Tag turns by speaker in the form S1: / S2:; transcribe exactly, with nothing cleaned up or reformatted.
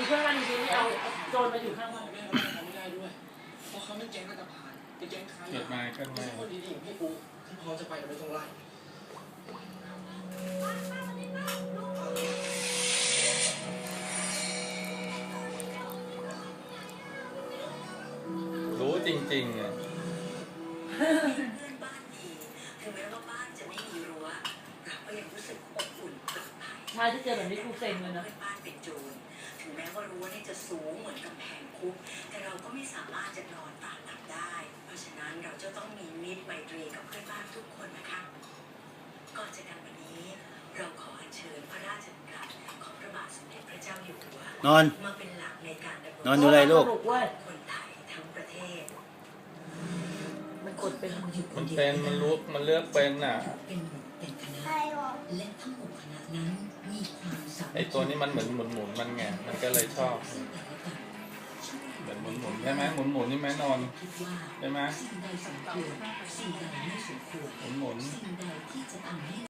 S1: เพื่อนบ้านจริงๆไม่เอาโจรมาอยู่ข้างบ้าน
S2: แม่เขาไม่ได้ด้วยเพราะเขาไม่แก๊งอันตรพานเป็นแก๊งค้ายา
S3: เกิดมาก็
S2: ไม่
S3: ไม่
S2: ใช่คนดีๆอย่างพี่ปุ๊ที่พร้อมจะไปแต่ไม่ต้องไล่
S3: รู้จริงๆอ่ะ
S4: เพื่อนบ้านดีถึงแม้ว่าบ้านจะไม่มีรั้วเราก็ยังรู้สึกอบอุ่นปลอดภัย
S1: ใช่ที่เจอแบบนี้กูเซ็งเลยนะ
S4: เพื่อนบ้านเป็นโจรถึงแม้ว่ารั้วนี่จะสูงเหมือนกำแพงคุกแต่เราก็ไม่สามารถจะนอนตาหลับได้ เพราะฉะนั้นเราจะต้องมีมิตรไมตรีกับเพื่อนบ้านทุกคนนะคะก่อนจากกันวันนี้เราขออัญเชิญพระราชดำรัสของพระบาทสมเด็จพระเจ้าอยู่หัวน
S5: อน
S4: มาเป็นหลักในการดำรง
S5: นอนอยู่เลยลูก
S1: สนุกเว้ย
S4: คนไทยทั้งประเทศ
S1: มันกดเป็น
S4: เราอยู่ค
S3: มัน
S4: เดียว
S3: เป็นมันรู้มันเลือกเป็นอ่ะ
S4: เป็นหมู่เป็นคณะและทั้งหมู่คณะนั้นมีความสามัคคี
S3: ไอตัวนี้มันเหมือนหมุนหมุนๆมันไงมันก็เลยชอบเหมือนหมุนหมุนๆใช่ไหมหมุนหมุนๆนี่ไหมนอน
S4: คิดว่า
S3: ใช่ไหม
S4: สิ่งใดสมควรสิ่งใดไม่สมควร
S3: หมุนหมุนๆ
S4: สิ่งใดที่จะทำให้